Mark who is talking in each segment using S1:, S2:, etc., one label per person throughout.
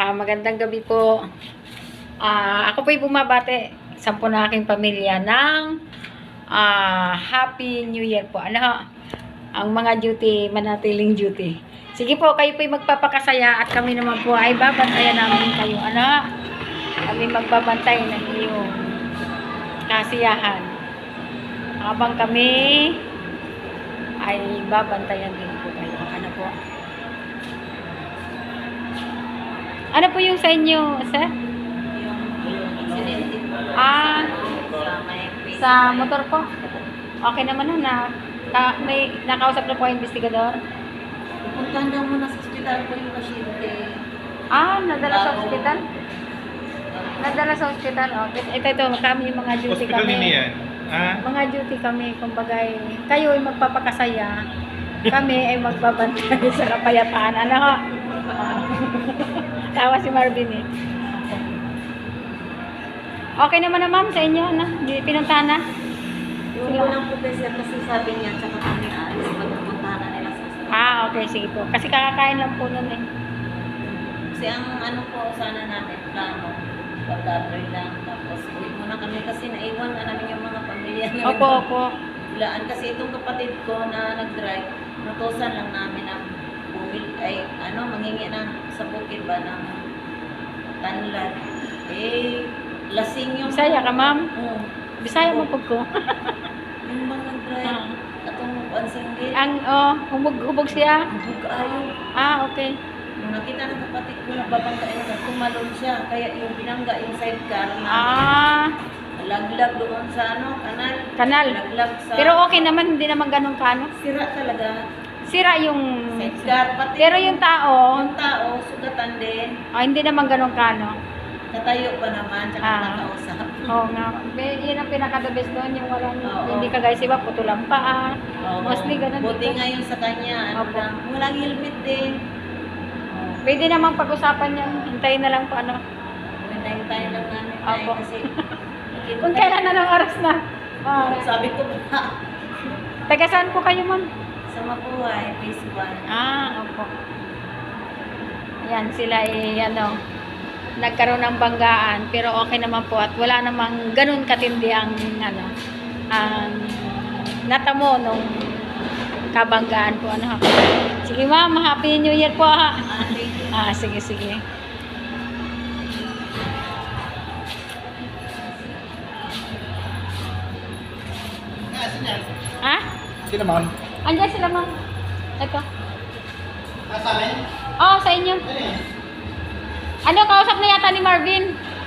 S1: Magandang gabi po. Ako po'y bumabati sa po na aking pamilya ng Happy New Year po. Ang mga duty, manatiling duty. Sige po, kayo po'y magpapakasaya at kami naman po ay babantayan namin kayo. Kami magbabantay ng iyong kasiyahan. Habang kami ay babantayan din po kayo. Po? Ano po yung sa inyo, sir?
S2: Yung incident po.
S1: Sa motor po? Okay naman na may nakausap na po ang investigador?
S2: Puntahan daw muna sa ospital po yung pasyente.
S1: Nadala sa ospital? Nadala sa ospital. Okay. Ito, kami yung mga duty
S3: Hospital
S1: kami.
S3: nini yan?
S1: Mga duty kami, kumbaga, kayo ay magpapakasaya. Kami ay magbabantay sa kapayapaan. Tawa si Marvin eh. Okay naman na ma'am sa inyo, pinuntahan na?
S2: Yung unang professor kasi sabi niya, tsaka kami alis, magpupuntahan na nila sa ospital.
S1: Okay, sige po. Kasi kakakain lang po nun eh.
S2: Kasi ang ano po, sana natin, plano, pag-datoy lang, tapos uwi muna kami kasi naiwan na namin yung mga pamilya namin.
S1: Opo.
S2: Bilaan kasi itong kapatid ko na nag-drive, natusan lang namin ang manghingi ng sa bukid ba ng tanlad. Lasing yung...
S1: Bisaya ka ma'am?
S2: Oo.
S1: Bisaya mo po ko.
S2: Yung bang nag-drive, atong pansinggit.
S1: Hubog siya?
S2: Hubog ayaw.
S1: Okay.
S2: Nung nakita ng kapatid ko, nagbabangkain na tumalon siya. Kaya yung binangga, yung sidecar na laglag doon sa
S1: Kanal.
S2: Laglag sa...
S1: Pero okay naman, hindi naman ganun kano.
S2: Sira talaga.
S1: Sira yung...
S2: Sidecar. Pati
S1: Pero yung tao,
S2: sugatan din.
S1: hindi naman ganun kano.
S2: Natayo pa naman, tsaka nakausap.
S1: Oo nga. Yun ang pinaka-the best doon, yung walang,
S2: Oo.
S1: hindi ka guys, iba, putulang paa.
S2: Oo.
S1: Mostly ganun
S2: Buti
S1: dito.
S2: nga yung sa kanya,
S1: Opo.
S2: walang helmet din.
S1: Pwede namang pag-usapan yan, hintayin na lang po
S2: Hintayin lang namin
S1: Opo.
S2: kasi
S1: Kung kailan na ng oras na.
S2: sabi ko pa,
S1: Taga saan po kayo ma'am?
S2: sa Mapuhay, phase 1.
S1: Opo. Ayan, sila nagkaroon ng banggaan, pero okay naman po at wala namang ganun katindi ang ang natamo nung kabanggaan po Sige ma'am, Happy New Year po ha. Sige.
S3: Sino ma'am?
S1: Andiyan sila ma'am. Ito.
S3: Sa amin?
S1: Sa inyo. Kausap na yata ni Marvin.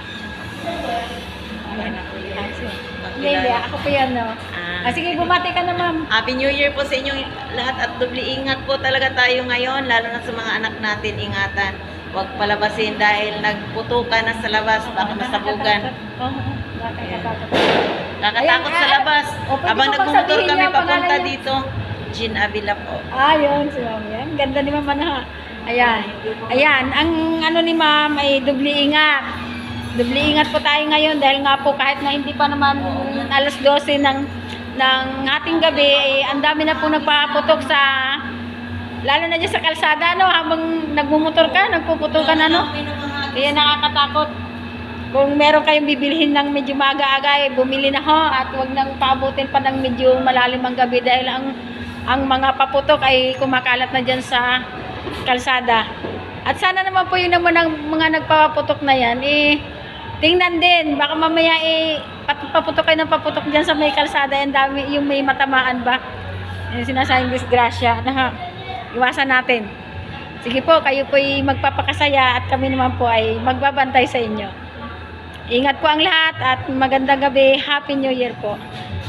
S1: Hindi, ako po yan, sige, bumati ka na, ma'am.
S2: Happy New Year po sa inyong lahat at doble ingat po talaga tayo ngayon, lalo na sa mga anak natin, ingatan. Huwag palabasin dahil nagputukan na sa labas, baka masabugan. Kakatakot sa labas. Habang nagmumotor kami papunta dito, Jean Avila po.
S1: Yun, si ma'am yan. Ganda ni ma'am Ayan, ang ni ma'am ay doble ingat. Doble ingat po tayo ngayon dahil nga po kahit na hindi pa naman alas 12 ng ating gabi, ang dami na po nagpaputok sa, lalo na dyan sa kalsada, habang nagmumotor ka, nagpuputokan, kaya nakakatakot. Kung meron kayong bibilhin ng medyo maaga-aga, bumili na ho at huwag nang paabutin pa ng medyo malalim ang gabi dahil ang mga paputok ay kumakalat na dyan sa kalsada. At sana naman po yun naman ang mga nagpapaputok na yan, tingnan din, baka mamaya paputok kayo ng paputok dyan sa may kalsada, yung may matamaan ba, yung sinasayang disgrasya, iwasan natin. Sige po, kayo po ay magpapakasaya at kami naman po ay magbabantay sa inyo. Ingat po ang lahat at magandang gabi. Happy New Year po.